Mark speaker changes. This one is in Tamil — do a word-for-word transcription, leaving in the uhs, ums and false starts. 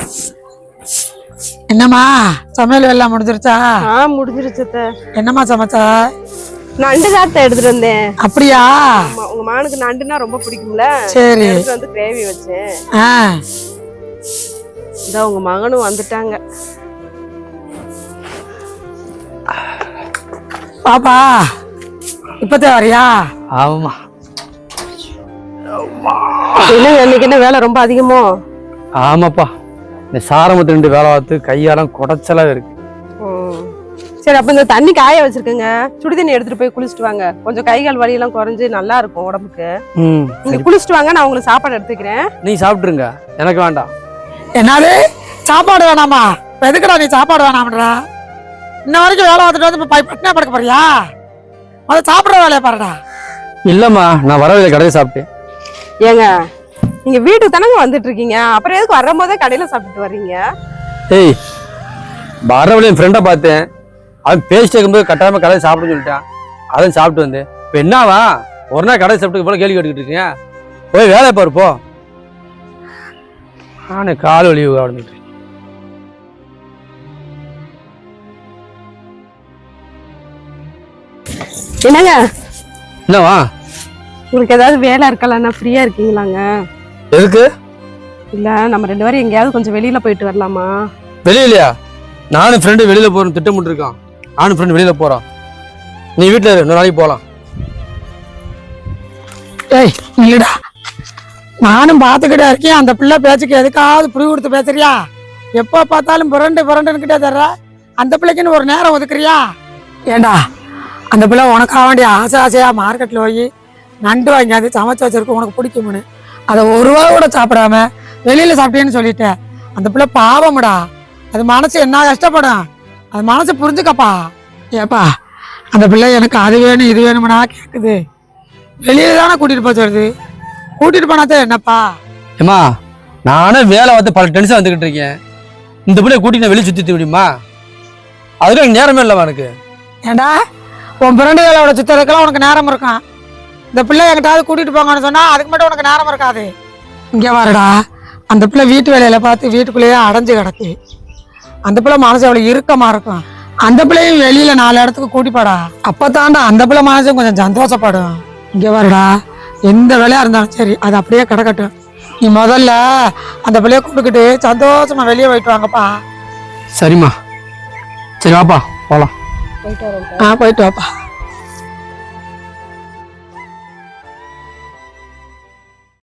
Speaker 1: என்னம்மா சமையல் எல்லாம் முடிஞ்சிருச்சா?
Speaker 2: ஆ முடிஞ்சிருச்சு.
Speaker 1: என்னம்மா சமைச்சா?
Speaker 2: நண்டு தான் எடுத்துட்டு வந்தேன்.
Speaker 1: அப்படியா?
Speaker 2: உங்க மகனுக்கு நண்டுனா ரொம்ப பிடிக்கும்ல,
Speaker 1: சரி
Speaker 2: எடுத்துட்டு வந்து கிரேவி வச்சேன்.
Speaker 1: ஆ
Speaker 2: இதோ உங்க மகனும் வந்துட்டாங்க.
Speaker 1: பாப்பா இப்பதான் வரியா?
Speaker 3: ஆமா.
Speaker 2: என்னங்க இன்னைக்கு என்ன வேலை ரொம்ப அதிகமோ?
Speaker 3: ஆமாப்பா, இந்த சாரமத்து ரெண்டு வேலை பார்த்து கையாலாம் குடைச்சலா இருக்கு.
Speaker 2: சரி, அப்ப இந்த தண்ணி காய வச்சிருக்கேங்க, சுடு தண்ணி எடுத்துட்டு போய் குளிச்சுட்டு வாங்க. கொஞ்சம் கை கால் வலி எல்லாம் குறைஞ்சு நல்லா இருக்கும் உடம்புக்கு. நீங்க குளிச்சுட்டு வாங்க, நான் உங்களுக்கு சாப்பாடு எடுத்துக்கிறேன்.
Speaker 3: நீ சாப்பிட்டுருங்க, எனக்கு வேண்டாம்.
Speaker 1: என்னது சாப்பாடு வேணாமா? எதுக்குடா நீ சாப்பாடு வேணாம்ன்றா? இன்ன வரைக்கும் வேலை பார்த்துட்டு வந்து பட்டினா படுக்க போறியா? அதை சாப்பிட்ற வேலையை பாருடா.
Speaker 3: இல்லம்மா, நான் வரவில்லை, கடையை சாப்பிட்டேன்.
Speaker 2: ஏங்க நீங்க வீட்டுக்கு தானங்க வந்துட்டு இருக்கீங்க, அப்புறம் எதுக்கு வரும் போதே கடையில சாப்பிட்டு வர்றீங்க?
Speaker 3: ஏய், வரவில்லை என் ஃப்ரெண்டை பார்த்தேன், அவன் பேசிட்டு இருக்கும்போது கட்டாயமா கடையை சாப்பிடுன்னு சொல்லிட்டான், அதையும் சாப்பிட்டு வந்து இப்போ என்னவா ஒரு நாள் கடையை சாப்பிட்டு போல கேள்வி கேட்டுக்கிட்டு இருக்கீங்க? போய் வேலையை பாரு போ. நானே கால் வலி ஆரம்பிக்கிறேன்.
Speaker 2: என்னங்க
Speaker 3: என்னவா?
Speaker 2: உங்களுக்கு ஏதாவது வேலை இருக்கலாம்னா ஃப்ரீயா இருக்கீங்களாங்க?
Speaker 3: எதுக்கு?
Speaker 2: இல்ல நம்ம ரெண்டு பேரும் எங்கேயாவது கொஞ்சம் வெளியில போயிட்டு வரலாமா?
Speaker 3: வெளியிலயா? நானும் ஃப்ரெண்டு வெளியில போறோம் திட்டமிட்டு இருக்கான். நானும் ஃப்ரெண்டு வெளியில போறோம், நீ வீட்டுல இரு, இன்னொரு நாளைக்கு போலாம்.
Speaker 1: ஏய் இல்லடா, நானும் பார்த்துக்கிட்டே இருக்கேன். அந்த பிள்ளை பேச்சுக்கு எதுக்காவது புரி கொடுத்து பேசுறியா? எப்போ பார்த்தாலும் புரண்டு புரண்டுன்னு கிட்டே தர்ற. அந்த பிள்ளைக்குன்னு ஒரு நேரம் ஒதுக்குறியா? ஏண்டா அந்த பிள்ளை உனக்காக வேண்டிய ஆசை ஆசையா மார்க்கெட்டில் போய் நண்டு வாங்கியாந்து சமைச்சு வச்சிருக்க, உனக்கு பிடிக்கும்னு அதை ஒரு ரூபா கூட சாப்பிடாம வெளியில சாப்பிட்டேன்னு சொல்லிட்டேன். அந்த பிள்ளை பாவம்டா, அது மனசு என்ன கஷ்டப்படும், அது மனசு புரிஞ்சுக்கப்பா. ஏப்பா அந்த பிள்ளை எனக்கு அது வேணும் இது வேணும்னா கேட்குது, வெளியில தானே கூட்டிட்டு போக சொல்லுது. கூட்டிட்டு போனாதான் என்னப்பா?
Speaker 3: ஏமா, நானும் வேலை வந்து பல டென்ஷன் வந்துகிட்டு இருக்கேன், இந்த பிள்ளைய கூட்டிட்டு நான் வெளியே சுத்தி முடியுமா? அதுக்கு எனக்கு நேரமே இல்லைவா எனக்கு.
Speaker 1: ஏண்டா உன் பிறண்டுகளோட சுத்தத்துக்கெல்லாம் உனக்கு நேரம் இருக்கும், இந்த பிள்ளை என்கிட்டாவது கூட்டிட்டு போங்கன்னு சொன்னா அதுக்கு மட்டும் உனக்கு நேரம் இருக்காது. இங்கே வரடா, அந்த பிள்ளை வீட்டு வேலையில பார்த்து வீட்டுக்குள்ளேயே அடைஞ்சு கிடக்கு. அந்த பிள்ளை மனசு அவ்வளவு இறுக்கமா இருக்கும். அந்த பிள்ளையும் வெளியில நாலு இடத்துக்கு கூட்டி போடா, அப்பதாண்டா அந்த பிள்ளை மனசும் கொஞ்சம் சந்தோஷப்படும். இங்கே வரடா, எந்த வேலையா இருந்தாலும் சரி அது அப்படியே கிடக்கட்டும். நீ முதல்ல அந்த பிள்ளைய கூப்பிட்டுக்கிட்டு சந்தோஷமா வெளியே போயிட்டு வாங்கப்பா.
Speaker 3: சரிம்மா, சரி வாப்பா போலாம்.
Speaker 2: போயிட்டு வரேன்.
Speaker 1: ஆ போயிட்டு வாப்பா.